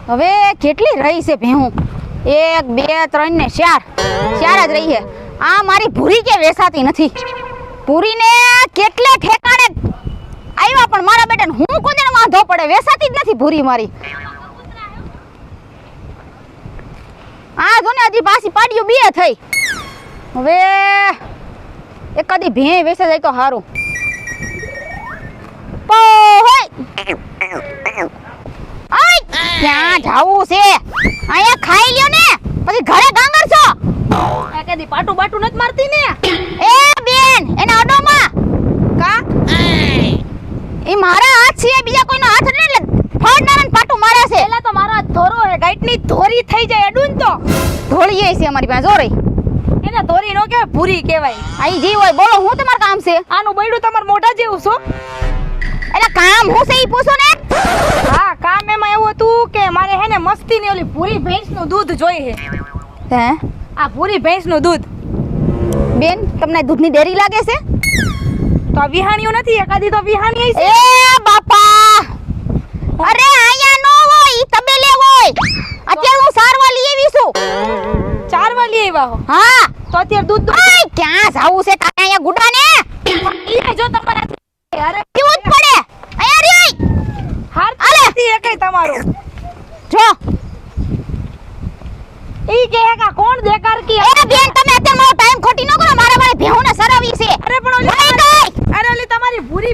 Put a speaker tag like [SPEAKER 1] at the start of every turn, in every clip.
[SPEAKER 1] હવે કેટલી રહી છે ભેહું? 1 2 3 ને 4 જ રહી છે. આ મારી ભૂરી કે વેસાતી નથી. ભૂરીને કેટલે ઠેકાણે આવ્યા પણ મારા બેટાને હું કોને વાંધો પડે, વેસાતી જ નથી ભૂરી મારી. આ જો ને હજી પાછી પાડ્યું 2 થઈ. હવે એકાદી ભે વેસે જાય તો સારું. ક્યાં જાવું છે? અહીંયા ખાઈ લ્યો ને પછી ઘરે ગાંગર છો.
[SPEAKER 2] આ કદી પાટું બાટું નથી મારતી ને?
[SPEAKER 1] એ બેન એના અડોમાં કા એ મારા હાથ છે, બીજા કોઈનો હાથ નથી એટલે ફાડનારાને પાટું મારે છે.
[SPEAKER 2] પેલા તો મારો ધોરો હે, ગાઈટની ધોરી થઈ જાય અડુન તો
[SPEAKER 1] ધોળીએ છે અમારી પાસે જોરી.
[SPEAKER 2] એને ધોરી નો કહેવાય, ભૂરી કહેવાય.
[SPEAKER 1] આઈ જી હોય બોલો, હું તમારું કામ છે?
[SPEAKER 2] આનું બૈડું તમાર મોઢા જેવું છો.
[SPEAKER 1] એટલે કામ હું છે ઈ પૂછો ને.
[SPEAKER 2] હા, કામ એમાં એવું હતું કે મારે હે ને મસ્તી ની ઓલી ભૂરી ભેંસનું દૂધ જોઈએ.
[SPEAKER 1] હે
[SPEAKER 2] આ ભૂરી ભેંસનું દૂધ.
[SPEAKER 1] બેન તમને દૂધની ડેરી લાગે છે?
[SPEAKER 2] તો આ વિહાણીયું નથી, એકાદી તો વિહાણી છે.
[SPEAKER 1] એ બાપા, અરે આયા નો હોય, ઈ તબેલે હોય. અત્યારે હું સારવા લઈ આવી છું.
[SPEAKER 2] ચારવા લઈ આવ્યા હો?
[SPEAKER 1] હા.
[SPEAKER 2] તો અત્યારે દૂધ
[SPEAKER 1] ઓય ક્યાં જાવું છે તારે? અહીંયા ગુડા ને
[SPEAKER 2] ઈ જો તમારા અરે
[SPEAKER 1] પીવું જ પડે. અહીંયા રી
[SPEAKER 2] હાર નથી એકેય તમારું.
[SPEAKER 1] જો
[SPEAKER 2] ઈ કે કા કોણ દેકાર કી?
[SPEAKER 1] એ બેન તમે અત્યારે મારો ટાઈમ ખોટી ન કરો, મારે ભેહુને સરાવી છે.
[SPEAKER 2] અરે પણ ઓલી
[SPEAKER 1] વઈ ગઈ.
[SPEAKER 2] અરે ઓલી તમારી ભૂરી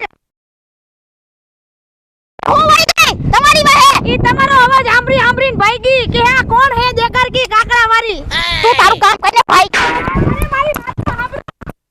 [SPEAKER 1] હું વઈ ગઈ તમારી વાહે.
[SPEAKER 2] ઈ તમારો અવાજ સાંભળીને ભાગી કે આ કોણ હે દેકાર કી કાકડા વાળી?
[SPEAKER 1] તું તારું કામ કરીને ભાઈ.
[SPEAKER 2] અરે મારી વાત સાંભળ.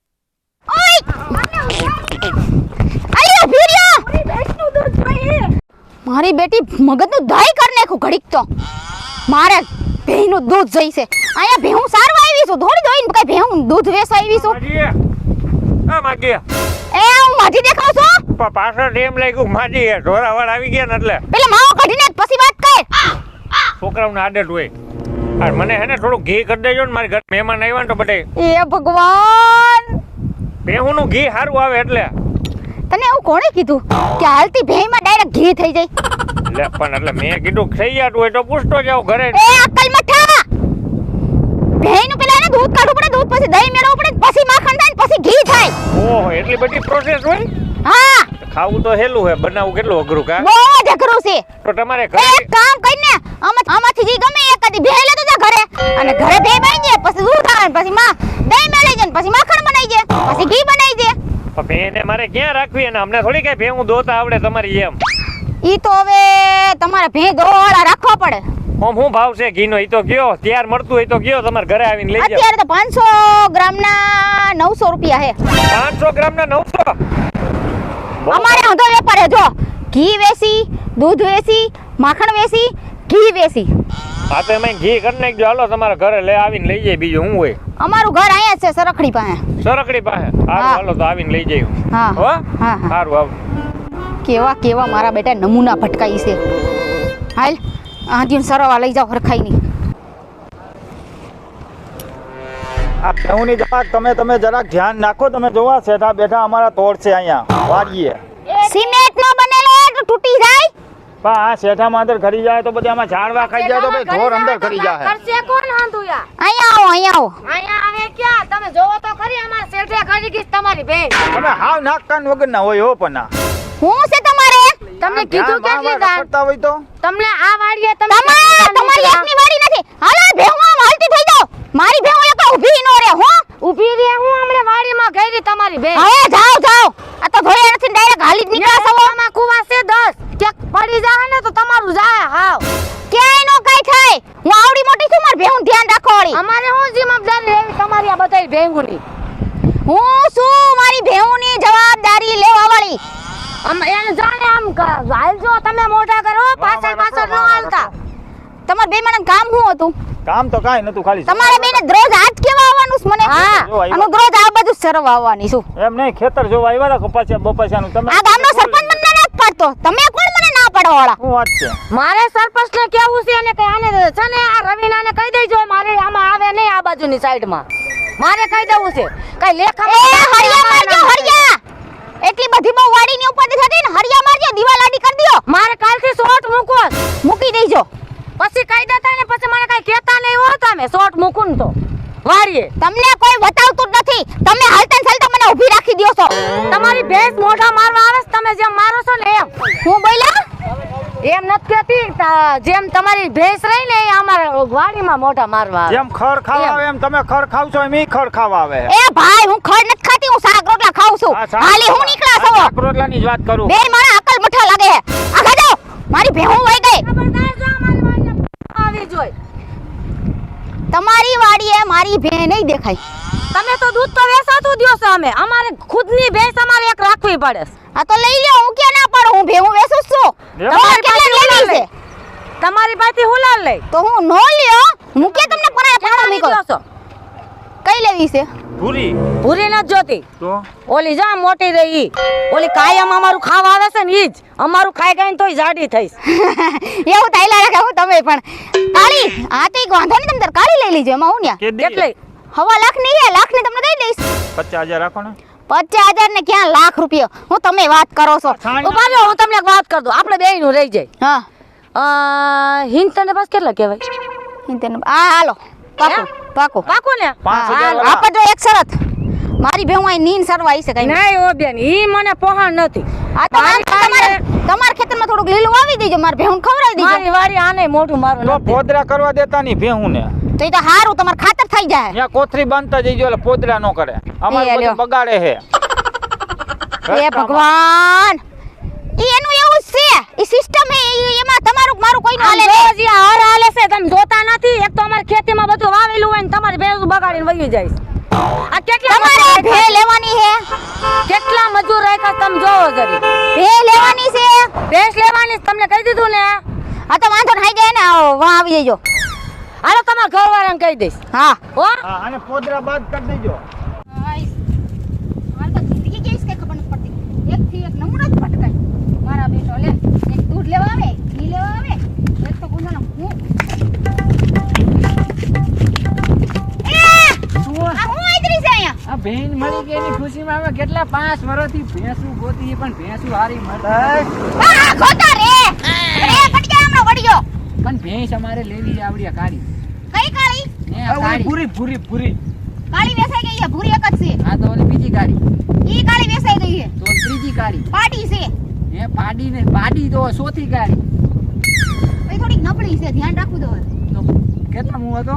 [SPEAKER 1] ઓય અલ્યો ભીરિયો,
[SPEAKER 2] ભૂરી ભેંસનું દૂધ જોઈએ.
[SPEAKER 1] મારી બેટી મગજનું દહીં કરી નાખું ઘડીક તો. મારે ભેંનું દૂધ જોઈ છે. અહીંયા ભેહું સારવા આવી છું, થોડી દોઈને કઈ ભેહું દૂધ વેચવા આવી છું.
[SPEAKER 3] આ માગી
[SPEAKER 1] એ હું માજી દેખાવ છું?
[SPEAKER 3] પાછળ એમ લાગ્યું માજી ઢોરાવાળ આવી ગયા ને એટલે
[SPEAKER 1] પેલા માવો કાઢીને પછી વાત કર.
[SPEAKER 3] છોકરાઓને આદત હોય. આ મને હે ને થોડું ઘી કરી દેજો ને, મારી ઘરે મહેમાન આવ્યા ને તો બધે
[SPEAKER 1] એ ભગવાન,
[SPEAKER 3] ભેહુંનું ઘી સારું આવે એટલે.
[SPEAKER 1] તને એવું કોણે કીધું કે હાલતી ભેંમાં ડાયરેક્ટ ઘી થઈ જાય?
[SPEAKER 3] એટલે પણ એટલે મેં કીધું થઈ જતું હોય તો પૂછતો જાવ ઘરે.
[SPEAKER 1] એ અક્કલ મઠા, ભેંનું પેલા એને દૂધ કાઢવું પડે, દૂધ પછી દહીં મેળવવું પડે, પછી માખણ થાય, પછી ઘી થાય.
[SPEAKER 3] ઓહો, એટલી બધી પ્રોસેસ હોય?
[SPEAKER 1] હા,
[SPEAKER 3] ખાવું તો હેલું હે, બનાવવું કેટલું અઘરું કા?
[SPEAKER 1] બહુ જ અઘરું છે.
[SPEAKER 3] તો તમારે
[SPEAKER 1] એક
[SPEAKER 3] ઘરે
[SPEAKER 1] કામ કરીને આમાંથી જે ગમે એકાદી ભેં લેતો જા ઘરે, અને ઘરે ભેં બાઈ જાય, પછી દૂધ આવે, પછી દહીં મેળવી જાય, પછી માખણ બનાવી જાય, પછી ઘી બનાવી દે.
[SPEAKER 3] ભેને મારે ક્યાં રાખવી? અને અમને થોડી કઈ ભેહું દોતા આવડે તમારી એમ.
[SPEAKER 1] ઈ તો હવે તમારે ભેં દોવાળા રાખવા પડે.
[SPEAKER 3] ઓમ હું ભાવ છે ઘીનો? ઈ તો ગયો ત્યાર મળતું હોય તો ગયો તમારે ઘરે આવીને લઈ જાવ.
[SPEAKER 1] અત્યારે તો 500 ગ્રામના 900 રૂપિયા હે.
[SPEAKER 3] 500 ગ્રામના 900?
[SPEAKER 1] અમારે હંધો વેપાર હે. જો ઘી વેસી, દૂધ વેસી, માખણ વેસી, ઘી વેસી.
[SPEAKER 3] હા તો એમાં ઘી કરી નાખજો. હાલો તમારા ઘરે લઈ આવીને લઈ જાય. બીજું શું હોય?
[SPEAKER 1] અમારું ઘર અહીંયા જ છે, સરખડી પાસે.
[SPEAKER 3] સરકડી પાસે?
[SPEAKER 1] હા.
[SPEAKER 3] હાલો તો આવીને લઈ જાય.
[SPEAKER 1] હા
[SPEAKER 3] હો
[SPEAKER 1] હા હા.
[SPEAKER 3] સારું આવ.
[SPEAKER 1] કેવા કેવા મારા બેટા નમૂના ભટકાઈ છે. હાલ આંધીને સરવા લઈ જાવ હરખાઈ ની.
[SPEAKER 4] આ ભેહુંની જરાક તમે જરાક ધ્યાન નાખો. તમે જોવા શેઠા બેઠા અમારા તોડ છે અહીંયા વાડીએ.
[SPEAKER 1] સિમેન્ટ નો બનેલો તો તૂટી જાય.
[SPEAKER 4] પણ આ શેઠામાં અંદર ખરી જાય તો પછી આમાં ઝાડવા ખાઈ જાય તો ભાઈ ઢોર અંદર ખરી જાય.
[SPEAKER 2] કરશે કોણ હાંધુયા?
[SPEAKER 1] અહીંયા આવો, અહીંયા આવો.
[SPEAKER 2] અહીંયા આવે ક્યાં? તમે જોવો તો ખરી અમાર શેઠે ખરી ગઈ તમારી બેન.
[SPEAKER 4] તમે હાવ નાક કાન વગરના હોય હો. પણ
[SPEAKER 1] હું છે તમારે?
[SPEAKER 2] તમને કીધું કેટલી દાન?
[SPEAKER 4] કરતા હોય તો
[SPEAKER 2] તમને આ વાડીએ તમે
[SPEAKER 1] તમારી એકની વાડી નથી. હાલો ભેહું આમ હાલતી થઈ જાવ. મારી ભેહું એક ઊભી નો રહે. હો
[SPEAKER 2] ઊભી રે, હું હમણે વાડીમાં ગઈ તમારી બેન.
[SPEAKER 1] હવે જાવ જાવ. આ તો ધોયા નથી, ડાયરેક્ટ હાલી જ નીકળ્યા છો.
[SPEAKER 2] આમાં કુવા છે 10 ક્યાંક પડી જાય ને તો તમારું જાય હાવ.
[SPEAKER 1] ક્યાંય નો કાઈ થાય. હું આવડી મોટી છું, માર ભેહું ધ્યાન રાખો વાળી.
[SPEAKER 2] અમારે હું જવાબદારી લેવી તમારી આ બધાય ભેંગુની?
[SPEAKER 1] હું શું મારી ભેહુંની જવાબદારી લેવા વાળી?
[SPEAKER 2] એને જાણે આમ હાલજો તમે મોઢા કરો, પાછળ ન હાલતા.
[SPEAKER 1] તમાર બે માણસ કામ શું હતું?
[SPEAKER 4] કામ તો કાઈ નતું, ખાલી
[SPEAKER 1] તમારે બેને દરરોજ હાથ કેવા આવવાનું છે મને?
[SPEAKER 4] હા.
[SPEAKER 1] અને દરરોજ આ બધું સરવા આવવાની છું.
[SPEAKER 4] એમ નહીં, ખેતર જોવા આવ્યા હતા કપાસિયા બપાસિયાનું. તમે
[SPEAKER 1] આ ગામનો સરપંચ મને ના પાડતો. તમે કોણ મને ના પાડવા વાળા?
[SPEAKER 4] શું વાત છે?
[SPEAKER 2] મારે સરપંચને કેવું છે અને કઈ આને છે ને આ રવિનાને કહી દેજો મારે આમાં આવે નહીં આ બાજુની સાઈડમાં. મારે કહી દેવું છે કઈ લેખા.
[SPEAKER 1] એ હરિયા મારજો, હરિયા. એટલી બધી બહુ વાડીની ઉપર થતી ને, હરિયા મારજો, દીવાલ આડી કરી દયો.
[SPEAKER 2] મારે કાલથી શોટ મૂકો.
[SPEAKER 1] મૂકી દેજો.
[SPEAKER 2] કરીએ.
[SPEAKER 1] તમને કોઈ બતાવતું જ નથી. તમે હાલતા ને ચાલતા મને ઊભી રાખી દ્યો છો.
[SPEAKER 2] તમારી ભેંસ મોઢા મારવા આવે છે, તમે જેમ મારો છો ને એમ.
[SPEAKER 1] હું બોલ્યા?
[SPEAKER 2] એમ નથી કહેતી, જેમ તમારી ભેંસ રહી ને એ અમારા વાડીમાં મોઢા મારવા આવે.
[SPEAKER 4] જેમ ખડ ખાવા આવે એમ તમે ખડ ખાવ છો એમ ઈ ખડ ખાવા આવે.
[SPEAKER 1] એ ભાઈ હું ખડ નથી ખાતી, હું શાક રોટલા ખાઉં છું.
[SPEAKER 4] આ શાક-
[SPEAKER 1] હાલી હું નીકળ્યા છો.
[SPEAKER 4] શાક રોટલાની જ વાત કરું.
[SPEAKER 1] બે મારા અકલ મઠા લાગે છે. આગળ જાઓ. મારી ભેહું વઈ ગઈ.
[SPEAKER 2] ખબરદાર જો અમારી વાડીમાં આવી જોઈ.
[SPEAKER 1] તમારી વાડીએ મારી ભે નહીં દેખાય.
[SPEAKER 2] તમે તો દૂધ તો વેચાતું દ્યો છો. અમે અમારે ખુદની ભેંસ અમારે એક રાખવી પડે છે.
[SPEAKER 1] આ તો લઈ લ્યો, હું ક્યાં ના પાડું, હું ભેહું વેચું જ છું. તમારે કેટલા લેવી છે?
[SPEAKER 2] તમારી પાસેથી હુલાલ લઈ.
[SPEAKER 1] તો હું નો લ્યો, હું કે તમને પરાય પાડો
[SPEAKER 2] કેટલાની
[SPEAKER 1] મીકો.
[SPEAKER 2] દ્યો છો?
[SPEAKER 1] કઈ લેવી છે?
[SPEAKER 4] પૂરી
[SPEAKER 2] ભૂરી નથી જોતી.
[SPEAKER 4] તો
[SPEAKER 2] ઓલી જા મોટી રહી ઈ. ઓલી કાયમ અમારું ખાવા આવે છે ને ઈ જ. અમારું ખાઈ ખાઈને તોય જાડી થઈશ.
[SPEAKER 1] એવું તાઈલા રાખે હું તમે પણ. કાળી, આ તો એક વાંધો નહીં, તમે તાર કાળી લઈ લીજો, એમાં હું ન્યા.
[SPEAKER 2] કેટલી?
[SPEAKER 1] 1.5 લાખની છે, લાખની તમને દઈ દઈશ.
[SPEAKER 4] 50,000 રાખો ને.
[SPEAKER 1] 50,000 ને ક્યાં લાખ રૂપિયા? હું તમે વાત કરો છો.
[SPEAKER 2] ઉભા રહો, હું તમને એક વાત કર દઉં. આપણે બેયનું રહી જાય.
[SPEAKER 1] હા
[SPEAKER 2] હિંદ તને બસ કેટલા કહેવાય?
[SPEAKER 1] આ હાલો પાકો પાકો
[SPEAKER 2] પાકું ને?
[SPEAKER 4] 5,000 વાળા.
[SPEAKER 1] આપણે જો એક શરત, મારી ભેહું અહીં નીન સરવા આવી છે કઈ.
[SPEAKER 2] નહીં ઓ બેન, ઈ મને પહોંચ નથી.
[SPEAKER 1] આ તો તમારા ખેતરમાં થોડુંક લીલું વાવી દેજો, મારી ભેહું ખવડાવી દેજો.
[SPEAKER 2] મારી વાડી આને મોઢું મારું
[SPEAKER 4] તો
[SPEAKER 2] નથી.
[SPEAKER 4] પોદરા કરવા દેતા નહીં ભેહું ને.
[SPEAKER 1] તો એ તો હારું, તમાર ખાતર થઈ જાય.
[SPEAKER 4] ત્યાં કોથરી બાંધતા જઈજો એટલે પોદરા ન કરે. અમારે
[SPEAKER 1] લ્યો.
[SPEAKER 4] બધું બગાડે છે.
[SPEAKER 1] એ ભગવાન, ઈ એનું એવું જ છે, ઈ સિસ્ટમ હે, એમાં તમારું મારું કોઈ
[SPEAKER 2] આમ
[SPEAKER 1] હાલે
[SPEAKER 2] જો
[SPEAKER 1] નહીં.
[SPEAKER 2] જે હાર હાલે છે તમે જોતા નથી. એક તો અમારી ખેતીમાં બધું વાવેલું હોય ને તમારી ભેંસ બગાડીને વહી જાય છે. આ કેટલા
[SPEAKER 1] તમારે
[SPEAKER 2] મજૂર
[SPEAKER 1] ભે
[SPEAKER 2] રાખ્યા
[SPEAKER 1] લેવાની છે,
[SPEAKER 2] છે? કેટલા મજૂર રાખ્યા છે તમે જોવો જરી.
[SPEAKER 1] ભે લેવાની છે.
[SPEAKER 2] ભેંસ લેવાની છે, તમને કહી દીધું ને.
[SPEAKER 1] આ તો વાંધો નહીં જાય ને, આવો વાં આવી જજો.
[SPEAKER 2] હાલો તમારા ઘરવાળાને કહી દઈશ.
[SPEAKER 1] હા
[SPEAKER 2] હો
[SPEAKER 4] હા, અને પોદરા બાદ કરી દેજો.
[SPEAKER 1] હાલ તો જિંદગી કેવી છે ખબર નથી પડતી. એકથી એક નમૂનો જ ભટકાય. મારા બેટો લે, એક દૂધ લેવા આવે, ઘી લેવા આવે, એક તો ગુંદરનો હું. આ હું આદરી છે અહીંયા.
[SPEAKER 5] આ ભેંસ મળી ગઈ એની ખુશીમાં અમે કેટલા 5 વર્ષથી ભેંસું ગોતી પણ ભેંસું હારી મળતી
[SPEAKER 1] આ ખોટા રે પડી ગયા હમણાં વળી ગયો.
[SPEAKER 5] પણ ભેંસ અમારે લેવી છે આવડી આ કાળી
[SPEAKER 1] કઈ કાળી?
[SPEAKER 5] ને આ કાળી
[SPEAKER 4] પૂરી પૂરી પૂરી.
[SPEAKER 1] કાળી વેસાઈ ગઈ છે, ભૂરી એક જ છે.
[SPEAKER 5] આ તો ઓલી બીજી કાળી
[SPEAKER 1] ઈ કાળી વેસાઈ ગઈ છે,
[SPEAKER 5] તો ઓલી ત્રીજી કાળી
[SPEAKER 1] પાડી છે.
[SPEAKER 5] હે પાડી ને પાડી તો ચોથી કાળી
[SPEAKER 1] એ થોડીક નબળી છે, ધ્યાન રાખવું દો.
[SPEAKER 5] તો કેટલા હું હતો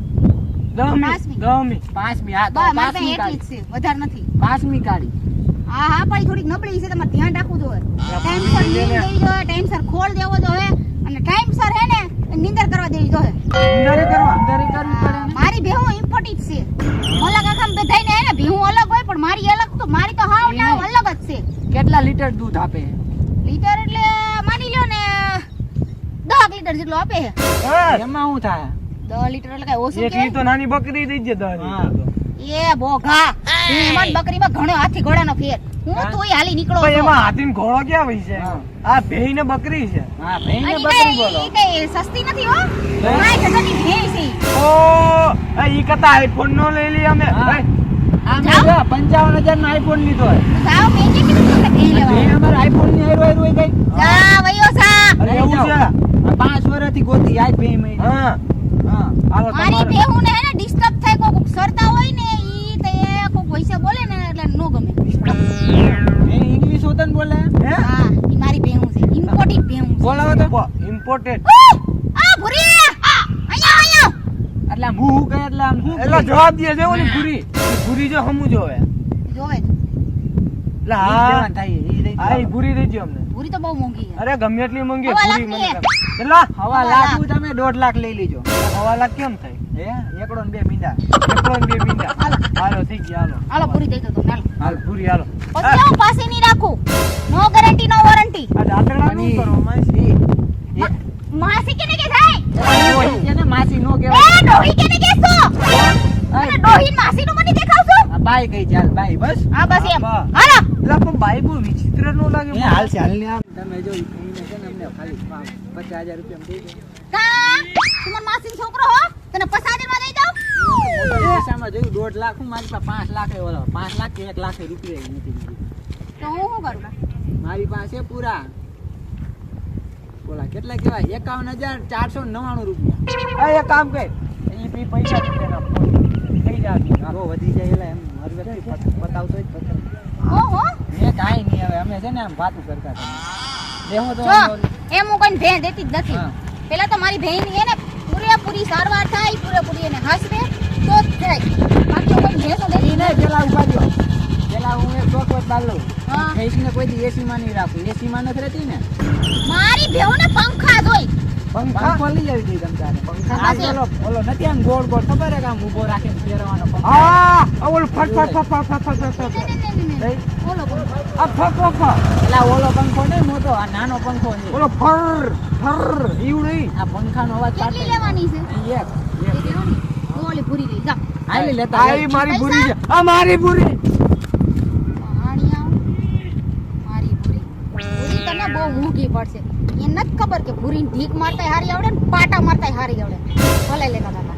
[SPEAKER 1] પાંચમી.
[SPEAKER 5] પાંચમી હા તો
[SPEAKER 1] બસ મારે
[SPEAKER 5] પાંચમી
[SPEAKER 1] એટલી જ
[SPEAKER 5] કાળી
[SPEAKER 1] છે, વધારે નથી.
[SPEAKER 5] પાંચમી કાળી
[SPEAKER 1] હા હા પણ ઈ થોડીક નબળી છે, તમારે ધ્યાન રાખવું જોઈએ. ટાઈમસર નીંદ દેવી જોઈએ, ટાઈમસર ખોળ દેવો જોઈએ અને ટાઈમસર હે ને નીંદર કરવા દેવી જોઈએ.
[SPEAKER 5] અંધારે કરવી પડે ને.
[SPEAKER 1] મારી ભેહું ઇમ્પોર્ટન્ટ છે. મોલા કાકા બધાયને હે ને ભેહું અલગ હોય પણ મારી અલગ તો મારી તો હાવ ને હાવ અલગ જ છે.
[SPEAKER 5] કેટલા લીટર દૂધ આપે
[SPEAKER 1] લીટર એટલે માની લ્યો ને 10 લીટર જેટલો આપે છે.
[SPEAKER 5] એમાં શું થાય
[SPEAKER 1] 10 લીટર એટલે કઈ ઓછું કે?
[SPEAKER 4] તો નાની બકરી દઈ દે
[SPEAKER 5] હા.
[SPEAKER 1] એ બોઘા એમાં બકરીમાં ઘણો હાથી ઘોડાનો ફેર. હું તોય હાલી નીકળો છું.
[SPEAKER 4] હાથીન ઘોડો ક્યાં હોય છે?
[SPEAKER 5] હા.
[SPEAKER 4] આ ભેઈ ને બકરી છે.
[SPEAKER 5] હા ભેંસ ને
[SPEAKER 1] અને
[SPEAKER 5] બકરી
[SPEAKER 1] ઈ
[SPEAKER 5] બોલો
[SPEAKER 1] કઈ સસ્તી નથી હો. કાંઈ ગજબની ભેંસ છે ઈ.
[SPEAKER 4] ઓ ઈ કતા આઈફોન નો લઈ લી અમે.
[SPEAKER 5] હા.
[SPEAKER 4] ભાઈ,
[SPEAKER 5] આ મેં જો 55,000 નો આઈફોન લીધો હોય
[SPEAKER 1] જાઓ મેં જે કીધું તમને ભેંસ લેવા.
[SPEAKER 5] ભેંસ અમારે આઈફોન ની હેરો હેરો ગઈ
[SPEAKER 1] જા વયો જા.
[SPEAKER 4] અરે એવું છે?
[SPEAKER 5] 5 વર્ષથી ગોતી આજ ભેંસ મળી
[SPEAKER 4] હા.
[SPEAKER 5] હા
[SPEAKER 4] હાલો
[SPEAKER 1] મારી
[SPEAKER 4] તમારે.
[SPEAKER 1] ભેહું ને હે ને ડિસ્ટર્બ થાય કોક સરતા હોય ને ઈ તે કોક વૈસે બોલે ને એટલે નો ગમે.
[SPEAKER 5] એ ઇંગ્લિશ હોતન બોલે
[SPEAKER 4] હે?
[SPEAKER 1] હા ઈ મારી ભેહું છે, ઇમ્પોર્ટેડ ભેહું છે.
[SPEAKER 5] બોલાવો તો
[SPEAKER 4] ઇમ્પોર્ટેડ.
[SPEAKER 1] આ ભૂરી અહીંયા અહીંયા
[SPEAKER 5] એટલે આમ હું કહે એટલે આમ હું
[SPEAKER 4] એલા જવાબ દે છે ઓલી પૂરી. પૂરી જો હમુ જોવે.
[SPEAKER 1] જોવે
[SPEAKER 4] એટલે હા. આ ઈ પૂરી દેજો અમને.
[SPEAKER 1] ભૂરી તો બહુ મોંઘી છે.
[SPEAKER 4] અરે ગમે એટલી મંગી
[SPEAKER 1] હવા
[SPEAKER 4] પૂરી
[SPEAKER 1] લાખની
[SPEAKER 4] મને. કેટલા?
[SPEAKER 5] હવા લાખ તમે 1.5 લાખ લઈ લીજો
[SPEAKER 4] 1.5 લાખ કેમ થાય?
[SPEAKER 5] હે એકડો ને 2 મીંડા
[SPEAKER 4] એકલો ને 2 મીંડા.
[SPEAKER 1] હાલો.
[SPEAKER 4] હાલો થઈ ગયા હાલો.
[SPEAKER 1] હાલો ભૂરી દઈ દો તમને હાલો.
[SPEAKER 4] હાલ પૂરી હાલો.
[SPEAKER 1] પછી હું પાસે નહીં રાખું. No guarantee no warranty.
[SPEAKER 4] આ દાંતરડા નું કરો માસી.
[SPEAKER 1] માસી કેને કે થાય?
[SPEAKER 5] એને માસી નો
[SPEAKER 1] એ
[SPEAKER 5] કહેવાય
[SPEAKER 1] ડોહી કેને કેસો? અને ડોહી માસી નું મને દેખાવશો?
[SPEAKER 5] આ બાઈ કઈ ચાલ બાઈ બસ
[SPEAKER 1] હા બસ એમ.
[SPEAKER 4] બા.
[SPEAKER 1] હાલો.
[SPEAKER 4] એલા પણ બાઈ બહુ વિચિત્ર નો લાગે.
[SPEAKER 5] એ હાલ છે હાલ ને આમ તમે જો ઈ કહીને છે ને અમને ખાલી 50,000 રૂપિયા દઈ દો
[SPEAKER 1] કા તું મારા માસીનો છોકરો હો? તને 50,000 માં દઈ દઉં?
[SPEAKER 5] પૈસામાં જોયું 1.5 લાખ હું મારી પાસે 5 લાખ ઓલો 5 લાખ કે 1 લાખ રૂપિયા નથી દીધી
[SPEAKER 1] તો હું શું કરું?
[SPEAKER 5] મારી પાસે પૂરા બોલા કેટલા કહેવાય 51,499 રૂપિયા
[SPEAKER 4] આ એક કામ કર. ઈ પૈસા દે ના ફોન.
[SPEAKER 5] થઈ જાય જો વધી જાય એટલે એમ હર વ્યક્તિ બતાવતો જ પકડ
[SPEAKER 1] ઓહો
[SPEAKER 5] મેં કાંઈ નહીં હવે અમે છે ને આમ વાતું કરતા હતા દેહો તો
[SPEAKER 1] જો એમ હું કોઈને ભેં દેતી જ નથી
[SPEAKER 5] હા.
[SPEAKER 1] પેલા તો મારી ભેંની એને પૂરેપૂરી સારવાર થાય પૂરેપૂરી એને હસવે તો જ થાય બાકી હું કોઈ ભેંસો દેતી જ નથી.
[SPEAKER 5] પેલા ઉભા રહ્યો પેલા હું એક ચોકવટ બાર લઉં
[SPEAKER 1] હા.
[SPEAKER 5] ભેંસને કોઈ દી એસીમાં નહીં રાખું એસીમાં નથી રહેતી ને
[SPEAKER 1] મારી ભેંને પંખા જોઈ
[SPEAKER 5] પંખો લઈ આવી દઈ તમ તારે
[SPEAKER 1] પંખા
[SPEAKER 5] આ
[SPEAKER 1] પાસે.
[SPEAKER 5] ઓલો નથી આમ ગોળ ગોળ ખબર હે કે આમ ઊભો રાખીને ફેરવાનો પંખો હા ઓલો ફટ ફટ ફટ ફટ ફટ ફટ
[SPEAKER 1] ને. બોલો બોલો
[SPEAKER 5] આ ફક ફક એલા ઓલો પંખો નહીં મોટો આ નાનો પંખો છે ઓલો ફર ફર ઈવડી આ પંખાનો અવાજ
[SPEAKER 1] કેટલી લેવાની છે
[SPEAKER 5] એક
[SPEAKER 1] એ લેવાની તો ઓલી પૂરી લઈ જા
[SPEAKER 5] આઈ લેતા આઈ મારી પૂરી છે આ મારી પૂરી
[SPEAKER 1] પાણી આવ મારી પૂરી પૂરી તને બહુ મોંઘી પડશે એ નથી ખબર કે પૂરીને ઢીક મારતાય હારી આવડે ને પાટા મારતાય હારી આવડે ભલે લેતા હતા